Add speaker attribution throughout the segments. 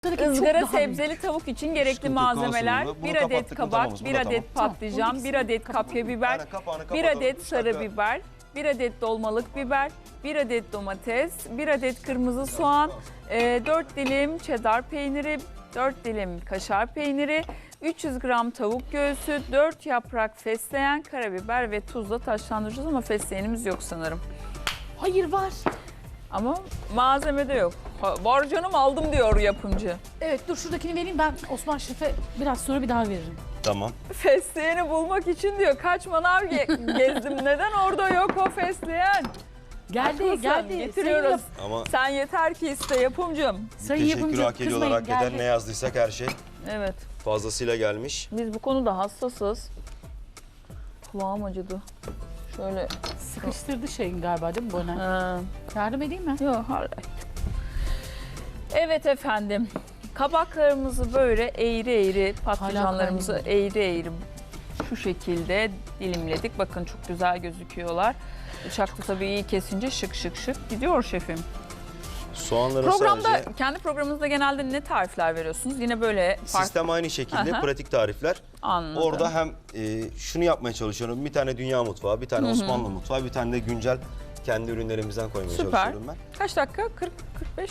Speaker 1: Izgara sebzeli tavuk için gerekli malzemeler: 1 adet kabak, 1 adet patlıcan, 1 adet kapya biber, 1 adet sarı biber, 1 adet dolmalık biber, 1 adet domates, 1 adet kırmızı soğan, 4 dilim cheddar peyniri, 4 dilim kaşar peyniri, 300 gram tavuk göğsü, 4 yaprak fesleğen, karabiber ve tuzla taşlandıracağız ama fesleğenimiz yok sanırım.
Speaker 2: Hayır var.
Speaker 1: Ama malzemede yok. Var canım, aldım diyor yapımcı.
Speaker 2: Evet, dur şuradakini vereyim, ben Osman Şef'e biraz sonra bir daha veririm.
Speaker 3: Tamam.
Speaker 1: Fesleğeni bulmak için diyor kaç manav gezdim. Neden orada yok o fesleğen?
Speaker 2: Geldi,
Speaker 1: Haklısın,
Speaker 2: geldi.
Speaker 1: getiriyoruz.
Speaker 3: Ama
Speaker 1: Sen yeter ki iste yapımcım.
Speaker 2: Sayın
Speaker 3: teşekkür
Speaker 2: yapımcı,
Speaker 3: hak ediyorlar.
Speaker 2: kızmayın,
Speaker 3: Hakikaten
Speaker 2: geldi.
Speaker 3: ne yazdıysak her şey
Speaker 1: Evet,
Speaker 3: fazlasıyla gelmiş.
Speaker 1: biz bu konuda hassasız. Kulağım acıdı. Şöyle.
Speaker 2: Sıkıştırdı şeyin galiba değil mi Boner?
Speaker 1: Ha.
Speaker 2: Yardım edeyim mi?
Speaker 1: Yok, hayır. Evet efendim. Kabaklarımızı böyle eğri eğri, patlıcanlarımızı
Speaker 2: kaynıyor.
Speaker 1: eğri eğri şu şekilde dilimledik. Bakın çok güzel gözüküyorlar. Bıçakla tabii iyi kesince şık şık şık gidiyor şefim.
Speaker 3: Soğanları
Speaker 1: Programda,
Speaker 3: sadece
Speaker 1: kendi programınızda genelde ne tarifler veriyorsunuz? Yine böyle farklı.
Speaker 3: sistem aynı şekilde,
Speaker 1: Aha.
Speaker 3: pratik tarifler.
Speaker 1: Anladım.
Speaker 3: Orada hem şunu yapmaya çalışıyorum. Bir tane dünya mutfağı, bir tane Osmanlı mutfağı, bir tane de güncel kendi ürünlerimizden koymaya
Speaker 1: Süper.
Speaker 3: çalışıyorum ben.
Speaker 1: Kaç dakika? 40-45?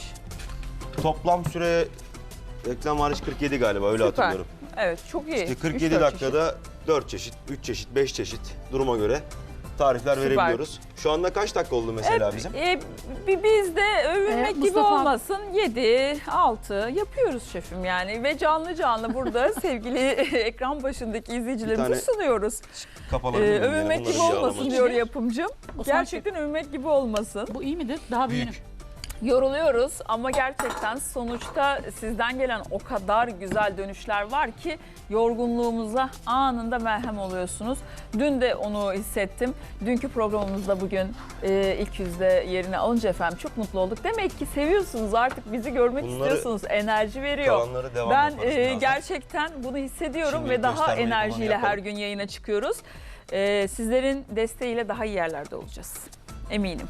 Speaker 3: Toplam süre reklam hariç 47 galiba, öyle
Speaker 1: Süper.
Speaker 3: hatırlıyorum.
Speaker 1: Evet, çok iyi.
Speaker 3: İşte 47
Speaker 1: 3-4
Speaker 3: dakikada 4 çeşit, 3 çeşit, 5 çeşit duruma göre tarifler
Speaker 1: Süper.
Speaker 3: verebiliyoruz. Şu anda kaç dakika oldu mesela bizim?
Speaker 1: Biz de övünmek gibi
Speaker 2: Mustafa-
Speaker 1: olmasın. 7, 6 yapıyoruz şefim yani. Ve canlı canlı burada sevgili ekran başındaki izleyicilerimize
Speaker 3: Bir tane
Speaker 1: sunuyoruz.
Speaker 3: Kapalı değil mi? Yani
Speaker 1: Övünmek
Speaker 3: onları
Speaker 1: gibi
Speaker 3: yağlamak
Speaker 1: olmasın
Speaker 3: için.
Speaker 1: diyor yapımcım.
Speaker 2: Osman
Speaker 1: Gerçekten övünmek gibi olmasın.
Speaker 2: Bu iyi midir? Daha büyüğünü.
Speaker 3: Büyük.
Speaker 1: Yoruluyoruz ama gerçekten sonuçta sizden gelen o kadar güzel dönüşler var ki yorgunluğumuza anında merhem oluyorsunuz. Dün de onu hissettim. Dünkü programımızda bugün ilk yüzde yerini alınca efendim çok mutlu olduk. Demek ki seviyorsunuz, artık bizi görmek
Speaker 3: Bunları,
Speaker 1: istiyorsunuz. Enerji veriyor.
Speaker 3: kalanları devam
Speaker 1: Ben
Speaker 3: yaparız birazdan.
Speaker 1: gerçekten bunu hissediyorum
Speaker 3: Şimdi
Speaker 1: ve daha
Speaker 3: göstermeyi falan
Speaker 1: enerjiyle her
Speaker 3: yapalım.
Speaker 1: gün yayına çıkıyoruz. Sizlerin desteğiyle daha iyi yerlerde olacağız. Eminim.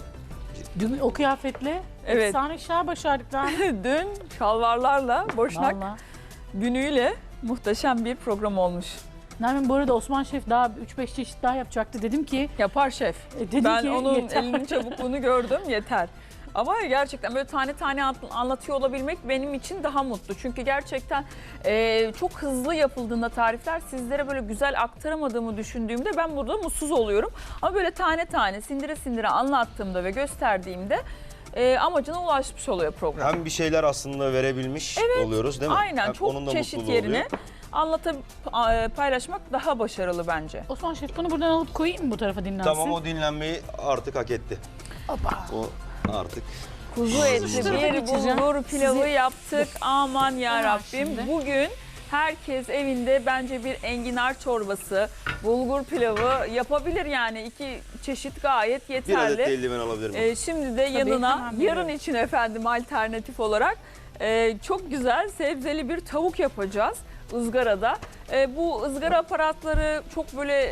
Speaker 2: Dün o kıyafetle
Speaker 1: Evet.
Speaker 2: efsane işler başardık lan.
Speaker 1: Dün şalvarlarla, boşnak
Speaker 2: Valla.
Speaker 1: günüyle muhteşem bir program olmuş.
Speaker 2: Nermin, bu arada Osman Şef daha 3-5 çeşit daha yapacaktı. Dedim ki,
Speaker 1: Yapar şef.
Speaker 2: dedim
Speaker 1: Ben
Speaker 2: ki
Speaker 1: onun
Speaker 2: yeter.
Speaker 1: elinin çabukluğunu gördüm, yeter. Ama gerçekten böyle tane tane anlatıyor olabilmek benim için daha mutlu. Çünkü gerçekten çok hızlı yapıldığında tarifler sizlere böyle güzel aktaramadığımı düşündüğümde ben burada mutsuz oluyorum. Ama böyle tane tane sindire sindire anlattığımda ve gösterdiğimde amacına ulaşmış oluyor program.
Speaker 3: Hem bir şeyler aslında verebilmiş oluyoruz değil mi?
Speaker 1: Aynen,
Speaker 3: Hem
Speaker 1: çok
Speaker 3: onun da
Speaker 1: çeşit
Speaker 3: mutluluğu
Speaker 1: yerine
Speaker 3: oluyor.
Speaker 1: paylaşmak daha başarılı bence.
Speaker 2: Osman Şef, bunu buradan alıp koyayım mı bu tarafa dinlensin?
Speaker 3: Tamam, o dinlenmeyi artık hak etti.
Speaker 2: Hoppa.
Speaker 3: O artık.
Speaker 1: Kuzu etli
Speaker 2: Şu tarafa
Speaker 1: bir
Speaker 2: geçeceğim.
Speaker 1: bulgur pilavı
Speaker 2: Sizi-
Speaker 1: yaptık. Aman ya
Speaker 2: Hemen
Speaker 1: Rabbim.
Speaker 2: şimdi.
Speaker 1: Bugün herkes evinde bence bir enginar çorbası, bulgur pilavı yapabilir yani. 2 çeşit gayet
Speaker 3: Bir adet
Speaker 1: yeterli.
Speaker 3: de eldiven alabilir miyim?
Speaker 1: Şimdi de yanına
Speaker 2: hemen
Speaker 1: yarın
Speaker 2: veriyorum.
Speaker 1: için efendim alternatif olarak çok güzel sebzeli bir tavuk yapacağız ızgarada. Bu ızgara aparatları çok böyle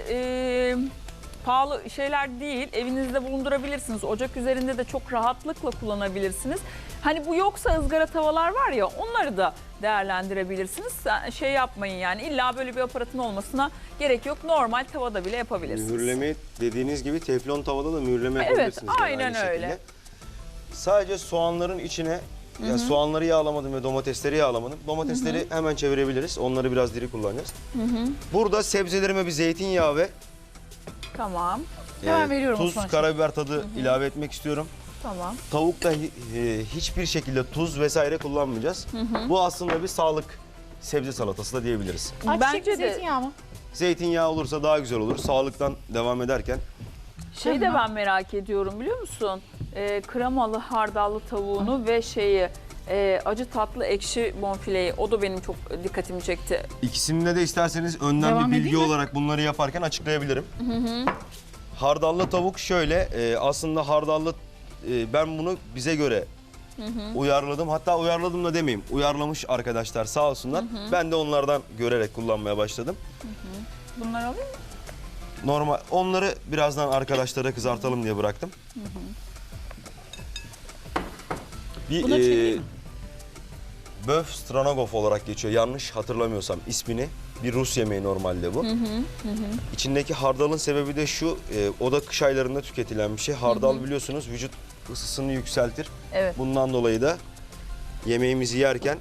Speaker 1: pahalı şeyler değil. Evinizde bulundurabilirsiniz. Ocak üzerinde de çok rahatlıkla kullanabilirsiniz. Hani bu yoksa ızgara tavalar var ya, onları da değerlendirebilirsiniz. Şey yapmayın yani, illa böyle bir aparatın olmasına gerek yok. Normal tavada bile yapabilirsiniz.
Speaker 3: Mühürleme dediğiniz gibi teflon tavada da mühürleme
Speaker 1: Evet,
Speaker 3: yapabilirsiniz. yani
Speaker 1: aynen
Speaker 3: aynı
Speaker 1: öyle.
Speaker 3: şekilde. Sadece soğanların içine ya soğanları yağlamadım ve domatesleri yağlamadım. Domatesleri hemen çevirebiliriz. Onları biraz diri kullanacağız. Burada sebzelerime bir zeytinyağı ve
Speaker 1: Tamam,
Speaker 2: Hemen veriyorum
Speaker 3: tuz,
Speaker 2: Osman Şef.
Speaker 3: karabiber tadı ilave etmek istiyorum.
Speaker 1: tamam.
Speaker 3: Tavukta hiçbir şekilde tuz vesaire kullanmayacağız. Bu aslında bir sağlık sebze salatası da diyebiliriz.
Speaker 2: Ayçiçek
Speaker 1: Bence de
Speaker 2: zeytinyağı mı?
Speaker 3: Zeytinyağı olursa daha güzel olur. Sağlıktan devam ederken.
Speaker 1: şey de ben merak ediyorum biliyor musun? Kremalı hardallı tavuğunu ve acı tatlı ekşi bonfileyi, o da benim çok dikkatimi çekti.
Speaker 3: İkisinde de isterseniz önden
Speaker 2: Devam
Speaker 3: bir bilgi
Speaker 2: edeyim mi?
Speaker 3: olarak bunları yaparken açıklayabilirim. Hardallı tavuk şöyle, aslında hardallı ben bunu bize göre uyarladım. Hatta uyarladım da demeyeyim. Uyarlamış arkadaşlar sağ olsunlar. Ben de onlardan görerek kullanmaya başladım.
Speaker 1: Bunları alayım mı?
Speaker 3: Normal onları birazdan arkadaşlara kızartalım diye bıraktım.
Speaker 2: Buna çevireyim mi?
Speaker 3: Böf Stranogov olarak geçiyor. Yanlış hatırlamıyorsam ismini. Bir Rus yemeği normalde bu. İçindeki hardalın sebebi de şu, o da kış aylarında tüketilen bir şey. Hardal biliyorsunuz vücut ısısını yükseltir.
Speaker 1: Evet.
Speaker 3: Bundan dolayı da yemeğimizi yerken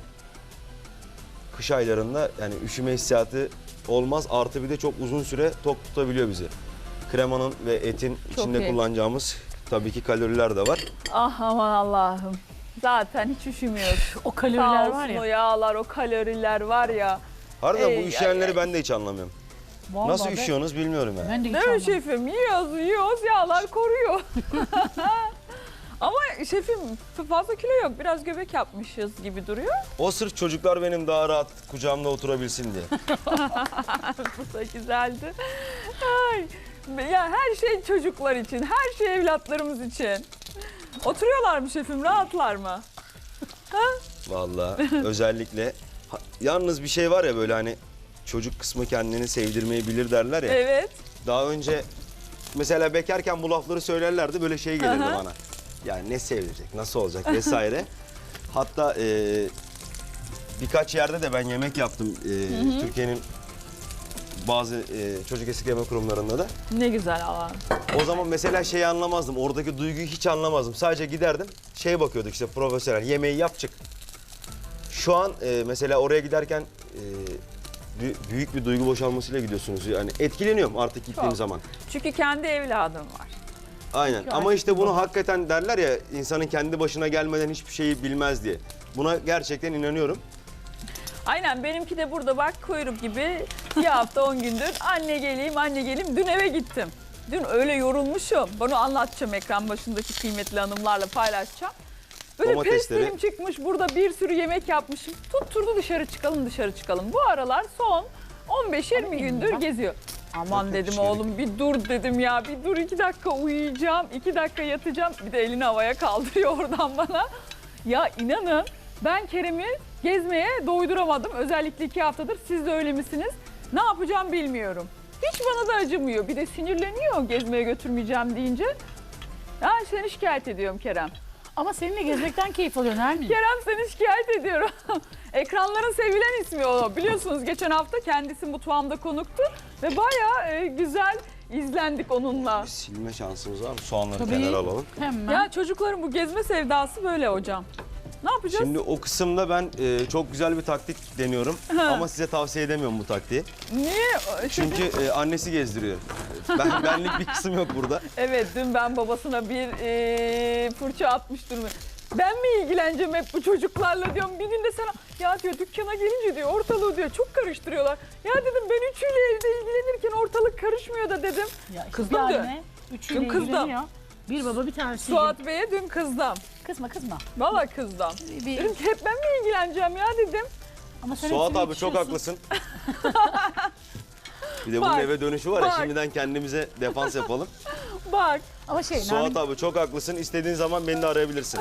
Speaker 3: kış aylarında yani üşüme hissiyatı olmaz. Artı bir de çok uzun süre tok tutabiliyor bizi. Kremanın ve etin
Speaker 1: Çok
Speaker 3: içinde
Speaker 1: iyi.
Speaker 3: kullanacağımız tabii ki kaloriler de var.
Speaker 1: Ah aman Allah'ım. Zaten hiç üşümüyoruz.
Speaker 2: O
Speaker 1: Sağ
Speaker 2: kaloriler
Speaker 1: olsun
Speaker 2: var
Speaker 1: o
Speaker 2: ya.
Speaker 1: yağlar, o kaloriler var ya.
Speaker 3: Harbiden bu
Speaker 1: Ey,
Speaker 3: üşüyenleri
Speaker 1: ay,
Speaker 3: ben de hiç anlamıyorum.
Speaker 2: Vallahi
Speaker 3: Nasıl
Speaker 2: ben-
Speaker 3: üşüyorsunuz bilmiyorum yani.
Speaker 2: Ben de hiç
Speaker 1: Değil mi
Speaker 2: anlamadım.
Speaker 1: şefim? Yiyoruz, yağlar koruyor. Ama şefim fazla kilo yok. Biraz göbek yapmışız gibi duruyor.
Speaker 3: O sırf çocuklar benim daha rahat kucağımda oturabilsin diye.
Speaker 1: Bu da güzeldi. Ay. Ya her şey çocuklar için, her şey evlatlarımız için. Oturuyorlar mı şefim, rahatlar mı?
Speaker 3: Vallahi özellikle yalnız bir şey var ya böyle hani çocuk kısmı kendini sevdirmeyi bilir derler ya.
Speaker 1: Evet.
Speaker 3: Daha önce mesela bekarken bu lafları söylerlerdi böyle şey gelirdi
Speaker 1: Aha.
Speaker 3: bana. Yani ne sevdirecek, nasıl olacak vesaire. Hatta birkaç yerde de ben yemek yaptım Türkiye'nin bazı çocuk eskitleme kurumlarında da.
Speaker 1: Ne güzel Allah'ım.
Speaker 3: O zaman mesela şeyi anlamazdım, oradaki duyguyu hiç anlamazdım. Sadece giderdim, şeye bakıyorduk işte profesyonel, yemeği yap çık. Şu an mesela oraya giderken büyük bir duygu boşalmasıyla gidiyorsunuz. Yani etkileniyorum artık gittiğim
Speaker 1: Çok.
Speaker 3: zaman.
Speaker 1: Çünkü kendi evladım var.
Speaker 3: Aynen
Speaker 2: Çünkü
Speaker 3: ama
Speaker 2: artık
Speaker 3: işte bunu
Speaker 2: baba.
Speaker 3: hakikaten derler ya insanın kendi başına gelmeden hiçbir şeyi bilmez diye. Buna gerçekten inanıyorum.
Speaker 1: Aynen benimki de burada bak kuyruk gibi bir hafta 10 gündür anne geleyim anne geleyim. Dün eve gittim. Dün öyle yorulmuşum. Bunu anlatacağım ekran başındaki kıymetli hanımlarla paylaşacağım. Böyle
Speaker 3: Domatesleri-
Speaker 1: pestilim çıkmış burada bir sürü yemek yapmışım. Tutturdu dışarı çıkalım. Bu aralar son 15-20
Speaker 2: Alayım
Speaker 1: gündür
Speaker 2: bak.
Speaker 1: geziyor. Aman
Speaker 3: Yok,
Speaker 1: dedim
Speaker 3: hiç gerek
Speaker 1: oğlum bir dur dedim ya bir dur 2 dakika uyuyacağım 2 dakika yatacağım bir de elini havaya kaldırıyor oradan bana. Ya inanın ben Kerem'i gezmeye doyduramadım özellikle 2 haftadır siz de öyle misiniz? Ne yapacağım bilmiyorum. Hiç bana da acımıyor bir de sinirleniyor gezmeye götürmeyeceğim deyince. Ya seni şikayet ediyorum Kerem.
Speaker 2: Ama seninle gezmekten keyif alıyorsun Nermin.
Speaker 1: Kerem seni şikayet ediyorum. Ekranların sevilen ismi o. Biliyorsunuz geçen hafta kendisi mutfağımda konuktu ve bayağı güzel izlendik onunla.
Speaker 3: Bir silme şansımız var mı? Soğanları
Speaker 2: Tabii.
Speaker 3: kenara alalım.
Speaker 2: Hemen.
Speaker 1: Ya çocukların bu gezme sevdası böyle hocam. Ne yapacağız?
Speaker 3: Şimdi o kısımda ben çok güzel bir taktik deniyorum ama size tavsiye edemiyorum bu taktiği.
Speaker 1: Niye?
Speaker 3: Çünkü annesi gezdiriyor. Benlik bir kısım yok burada.
Speaker 1: Evet dün ben babasına bir fırça atmış durumda. Ben mi ilgileneceğim hep bu çocuklarla diyorum. Bir gün de sana ya diyor dükkana gelince diyor ortalığı diyor çok karıştırıyorlar. Ya dedim ben üçüyle evde ilgilenirken ortalık karışmıyor da dedim.
Speaker 2: Ya,
Speaker 1: Kızdım
Speaker 2: bir
Speaker 1: dün.
Speaker 2: anne, üçüyle
Speaker 1: Dün kızdım.
Speaker 2: ilgileniyor. Bir baba bir tanesi.
Speaker 1: Suat Bey'e dün kızdım.
Speaker 2: Kızma.
Speaker 1: Vallahi kızdım.
Speaker 2: Bir-
Speaker 1: Dedim ki hep ben mi ilgileneceğim ya dedim.
Speaker 2: Ama sen
Speaker 3: Suat
Speaker 2: hepsine
Speaker 3: abi çok
Speaker 2: yetişiyorsun.
Speaker 3: haklısın. Bir de bunun
Speaker 1: Bak,
Speaker 3: eve dönüşü var ya
Speaker 1: bak.
Speaker 3: şimdiden kendimize defans yapalım.
Speaker 1: Bak
Speaker 2: Ama şey
Speaker 3: Suat
Speaker 2: Nermin,
Speaker 3: abi çok haklısın. İstediğin zaman beni de arayabilirsin.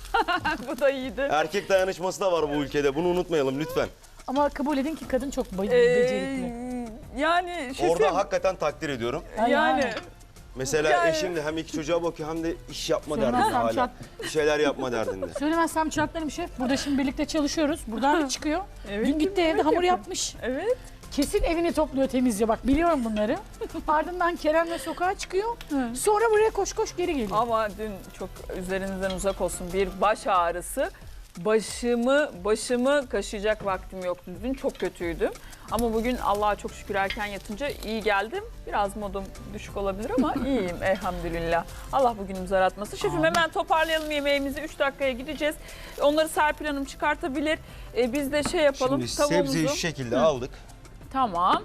Speaker 1: bu da iyiydi.
Speaker 3: Erkek dayanışması da var bu ülkede. Bunu unutmayalım lütfen.
Speaker 2: ama kabul edin ki kadın çok becerikli.
Speaker 1: Yani şefim.
Speaker 3: Orada hakikaten takdir ediyorum.
Speaker 2: Ay,
Speaker 1: yani.
Speaker 2: yani.
Speaker 3: Mesela
Speaker 1: Yani-
Speaker 3: eşim de hem iki çocuğa bakıyor hem de iş yapma
Speaker 2: Söylemezsem
Speaker 3: derdinde hala.
Speaker 2: çat-
Speaker 3: Bir şeyler yapma derdinde.
Speaker 2: Söylemezsem çarklarım şef. Burada şimdi birlikte çalışıyoruz. Buradan çıkıyor.
Speaker 1: Evet,
Speaker 2: Dün gitti
Speaker 1: yemek
Speaker 2: evde hamur
Speaker 1: yapıyor.
Speaker 2: yapmış.
Speaker 1: Evet.
Speaker 2: Kesin evini topluyor, temizliyor. Bak biliyorum bunları. Ardından Kerem'le sokağa çıkıyor. Sonra buraya koş geri geliyor.
Speaker 1: Ama dün çok üzerinizden uzak olsun bir baş ağrısı. Başımı kaşıyacak vaktim yoktu. Dün çok kötüydüm. Ama bugün Allah'a çok şükür erken yatınca iyi geldim. Biraz modum düşük olabilir ama iyiyim elhamdülillah. Allah bugünümüzü aratmasın. Şefim hemen toparlayalım yemeğimizi. 3 dakikaya gideceğiz. Onları Serpil Hanım çıkartabilir. Biz de şey yapalım.
Speaker 3: Şimdi
Speaker 1: tavuğumuzu.
Speaker 3: sebzeyi şu şekilde aldık.
Speaker 1: Tamam.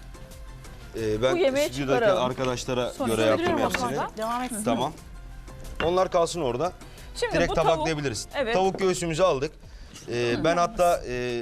Speaker 3: Ben
Speaker 1: Bu yemeği
Speaker 3: stüdyodaki
Speaker 1: çıkaralım.
Speaker 3: arkadaşlara
Speaker 1: Sonra
Speaker 3: göre yaptım
Speaker 2: Söndürüyorum
Speaker 3: hepsini.
Speaker 2: aslında. Devam etsin.
Speaker 3: Tamam. Onlar kalsın orada.
Speaker 1: Şimdi
Speaker 3: Direkt
Speaker 1: bu tavuk.
Speaker 3: tabaklayabiliriz.
Speaker 1: Evet.
Speaker 3: Tavuk göğsümüzü aldık. Ben hatta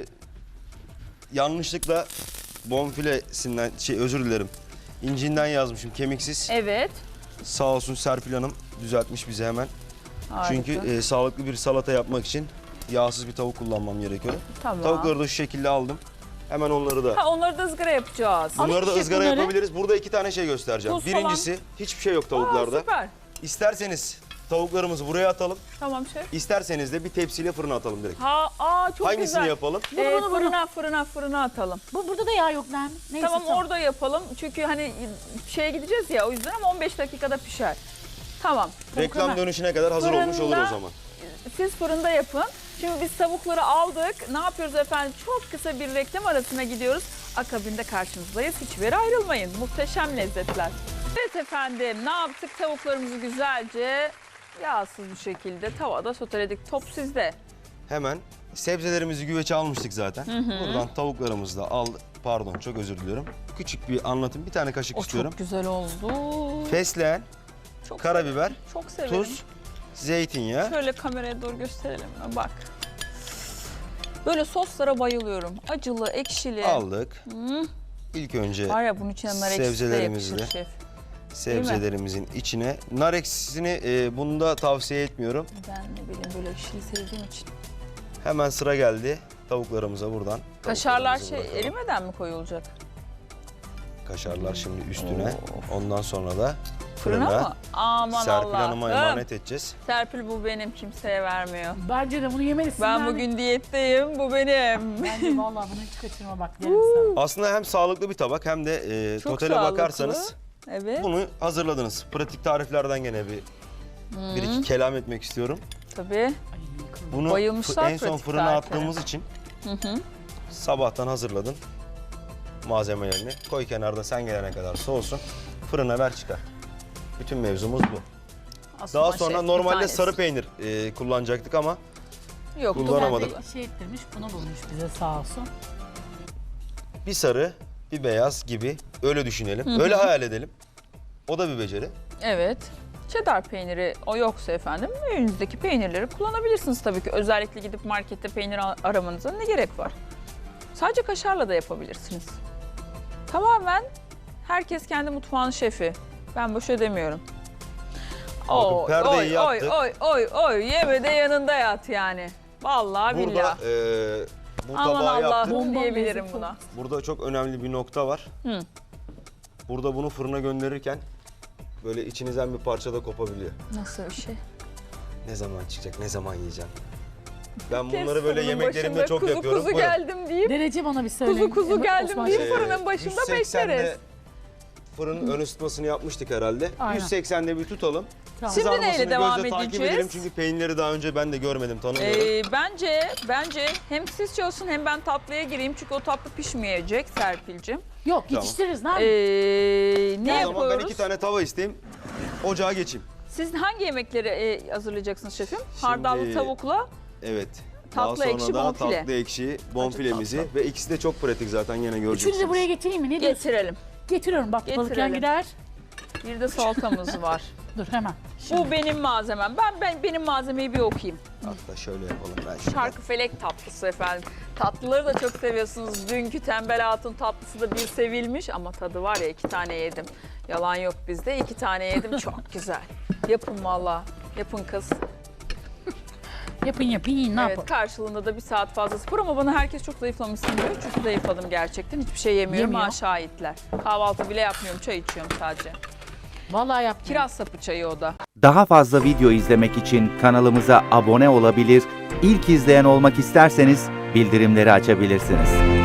Speaker 3: yanlışlıkla bonfilesinden özür dilerim. İncinden yazmışım kemiksiz.
Speaker 1: Evet.
Speaker 3: Sağ olsun Serpil Hanım düzeltmiş bize hemen.
Speaker 1: Harika.
Speaker 3: Çünkü sağlıklı bir salata yapmak için yağsız bir tavuk kullanmam gerekiyor.
Speaker 1: Tamam.
Speaker 3: Tavukları da şu şekilde aldım. Hemen onları da.
Speaker 1: Ha, onları da ızgara yapacağız.
Speaker 2: Alayım
Speaker 3: Bunları da
Speaker 2: şef
Speaker 3: ızgara
Speaker 2: bunları.
Speaker 3: yapabiliriz. Burada 2 tane şey göstereceğim.
Speaker 1: Tuz falan.
Speaker 3: Birincisi hiçbir şey yok
Speaker 1: Aa,
Speaker 3: tavuklarda.
Speaker 1: süper.
Speaker 3: İsterseniz tavuklarımızı buraya atalım.
Speaker 1: Tamam şef.
Speaker 3: İsterseniz de bir tepsiyle fırına atalım direkt.
Speaker 1: Çok
Speaker 3: Hangisini
Speaker 1: güzel.
Speaker 3: yapalım?
Speaker 1: Fırına atalım.
Speaker 2: Burada da yağ yok Nermin. Neyse,
Speaker 1: Tamam orada yapalım. Çünkü hani şeye gideceğiz ya o yüzden ama 15 dakikada pişer. Tamam.
Speaker 3: Reklam
Speaker 2: hemen.
Speaker 3: dönüşüne kadar hazır olmuş olur o
Speaker 1: Fırında-
Speaker 3: zaman.
Speaker 1: Siz fırında yapın. Şimdi biz tavukları aldık. Ne yapıyoruz efendim? Çok kısa bir reklam arasına gidiyoruz. Akabinde karşınızdayız. Hiçbir yere ayrılmayın. Muhteşem lezzetler. Evet efendim ne yaptık? Tavuklarımızı güzelce yağsız bir şekilde tavada soteledik. Top sizde.
Speaker 3: Hemen sebzelerimizi güveçe almıştık zaten. Buradan tavuklarımızı da al. Pardon çok özür diliyorum. Küçük bir anlatım. Bir tane kaşık
Speaker 1: O
Speaker 3: istiyorum.
Speaker 1: çok güzel oldu.
Speaker 3: Fesleğen,
Speaker 1: Çok
Speaker 3: karabiber,
Speaker 1: severim, çok severim.
Speaker 3: tuz, zeytinyağı.
Speaker 1: Şöyle kameraya doğru gösterelim mi? Bak. Böyle soslara bayılıyorum. Acılı, ekşili.
Speaker 3: Aldık. İlk önce
Speaker 1: Var ya bunun içine nar ekşisi de
Speaker 3: sebzelerimizi
Speaker 1: yakışır
Speaker 3: de
Speaker 1: şef.
Speaker 3: sebzelerimizin içine. Nar ekşisini bunu da tavsiye etmiyorum.
Speaker 1: Ben ne bileyim böyle ekşili sevdiğim için.
Speaker 3: Hemen sıra geldi tavuklarımıza buradan.
Speaker 1: Kaşarlar
Speaker 3: Tavuklarımızı bırakalım.
Speaker 1: erimeden mi koyulacak?
Speaker 3: Kaşarlar şimdi üstüne. Ondan sonra da
Speaker 1: Fırına
Speaker 3: fırına.
Speaker 1: mı? Aman
Speaker 3: Serpil
Speaker 1: Allah'ım.
Speaker 3: Hanım'a emanet edeceğiz.
Speaker 1: Serpil bu benim, kimseye vermiyor.
Speaker 2: Bence de bunu yemelisin.
Speaker 1: Ben
Speaker 2: Nermin.
Speaker 1: bugün diyetteyim, bu benim.
Speaker 2: Bence vallahi bunu hiç kaçırma bak derim sana.
Speaker 3: Aslında hem sağlıklı bir tabak hem de
Speaker 1: Çok
Speaker 3: totale
Speaker 1: sağlıklı.
Speaker 3: bakarsanız
Speaker 1: Evet,
Speaker 3: bunu hazırladınız. Pratik tariflerden gene bir iki kelam etmek istiyorum.
Speaker 1: tabii.
Speaker 2: Ay,
Speaker 3: Bunu
Speaker 1: Bayılmışlar
Speaker 3: en son
Speaker 1: pratik
Speaker 3: fırına
Speaker 1: tariflere.
Speaker 3: attığımız için sabahtan hazırladın malzemelerini. Koy kenarda sen gelene kadar soğusun. Fırına ver çıkar. Bütün mevzumuz bu.
Speaker 1: Aslında
Speaker 3: Daha sonra
Speaker 1: şef, bir
Speaker 3: normalde
Speaker 1: tanesi.
Speaker 3: sarı peynir kullanacaktık ama
Speaker 1: Yoktu.
Speaker 3: kullanamadık.
Speaker 2: Ben de şey ettirmiş, bunu bulmuş bize sağ olsun.
Speaker 3: bir sarı bir beyaz gibi öyle düşünelim. Öyle hayal edelim. O da bir beceri.
Speaker 1: Evet. Cheddar peyniri o yoksa efendim önünüzdeki peynirleri kullanabilirsiniz tabii ki. Özellikle gidip markette peynir aramanıza ne gerek var? Sadece kaşarla da yapabilirsiniz. Tamamen herkes kendi mutfağının şefi. Ben boş demiyorum.
Speaker 3: Bakın perdeyi
Speaker 1: oy,
Speaker 3: yaptık.
Speaker 1: oy, yeme de yanında yat yani. Vallahi
Speaker 3: Burada
Speaker 1: billahi.
Speaker 3: bu
Speaker 1: Aman
Speaker 3: tabağı yaptık.
Speaker 1: Allah'ım
Speaker 2: Bomba
Speaker 1: diyebilirim
Speaker 2: lezzeti
Speaker 1: buna.
Speaker 3: Burada çok önemli bir nokta var.
Speaker 1: Hı.
Speaker 3: Burada bunu fırına gönderirken böyle içinizden bir parça da kopabiliyor.
Speaker 1: Nasıl bir şey?
Speaker 3: Ne zaman çıkacak, ne zaman yiyeceğim? Ben
Speaker 1: Kes
Speaker 3: bunları böyle
Speaker 1: fırının
Speaker 3: yemeklerimde
Speaker 1: başında
Speaker 3: çok
Speaker 1: kuzu
Speaker 3: yapıyorum.
Speaker 1: Kuzu
Speaker 3: Buyurun.
Speaker 1: geldim deyip
Speaker 2: Derece bana bir söyle.
Speaker 1: kuzu geldim
Speaker 2: Osman
Speaker 1: deyip
Speaker 2: Şef.
Speaker 1: fırının başında
Speaker 3: 180'de
Speaker 1: bekleriz.
Speaker 3: Fırının ön ısıtmasını yapmıştık herhalde.
Speaker 2: Aynen.
Speaker 3: 180'de bir tutalım.
Speaker 2: Tamam.
Speaker 1: Şimdi neyle
Speaker 3: Kızarmasını
Speaker 1: devam
Speaker 3: gözle takip
Speaker 1: edeceğiz?
Speaker 3: edelim çünkü peynirleri daha önce ben de görmedim, tanımıyorum.
Speaker 1: Bence hem siz çalışın hem ben tatlıya gireyim çünkü o tatlı pişmeyecek Serpil'cim.
Speaker 2: Yok
Speaker 3: Tamam.
Speaker 2: yetiştiririz ne
Speaker 1: Ne
Speaker 3: O zaman
Speaker 1: yapıyoruz?
Speaker 3: ben 2 tane tava isteyeyim. Ocağa geçeyim.
Speaker 1: Siz hangi yemekleri hazırlayacaksınız şefim? Hardallı tavukla.
Speaker 3: Evet.
Speaker 1: Tatlı
Speaker 3: Daha
Speaker 1: ekşi
Speaker 3: sonra da
Speaker 1: bonfile.
Speaker 3: tatlı ekşi bonfilemizi ve ikisi de çok pratik zaten yine göreceksiniz.
Speaker 2: Üçünü de buraya getireyim mi? Ne diyorsun?
Speaker 1: Getirelim.
Speaker 2: Getiriyorum bak balık
Speaker 1: Getirelim.
Speaker 2: yan gider.
Speaker 1: Bir de salatamız var.
Speaker 2: Dur hemen.
Speaker 1: Bu benim malzemem. Benim malzemeyi bir okuyayım.
Speaker 3: Hatta şöyle yapalım ben şimdi.
Speaker 1: Çarkıfelek tatlısı efendim. Tatlıları da çok seviyorsunuz. Dünkü tembel hatun tatlısı da bir sevilmiş ama tadı var ya 2 tane yedim. Yalan yok bizde 2 tane yedim çok güzel. Yapın valla. Yapın kız.
Speaker 2: Yapın yiyin ne
Speaker 1: Evet
Speaker 2: yapalım.
Speaker 1: karşılığında da 1 saat fazla spor ama bana herkes çok zayıflamışsın diyor. Çünkü zayıfladım gerçekten. Hiçbir şey yemiyorum.
Speaker 2: Yemiyor.
Speaker 1: Ha şahitler. Kahvaltı bile yapmıyorum. Çay içiyorum sadece.
Speaker 2: Vallahi yaptım.
Speaker 1: Kiraz sapı çayı o da.
Speaker 4: Daha fazla video izlemek için kanalımıza abone olabilir, ilk izleyen olmak isterseniz bildirimleri açabilirsiniz.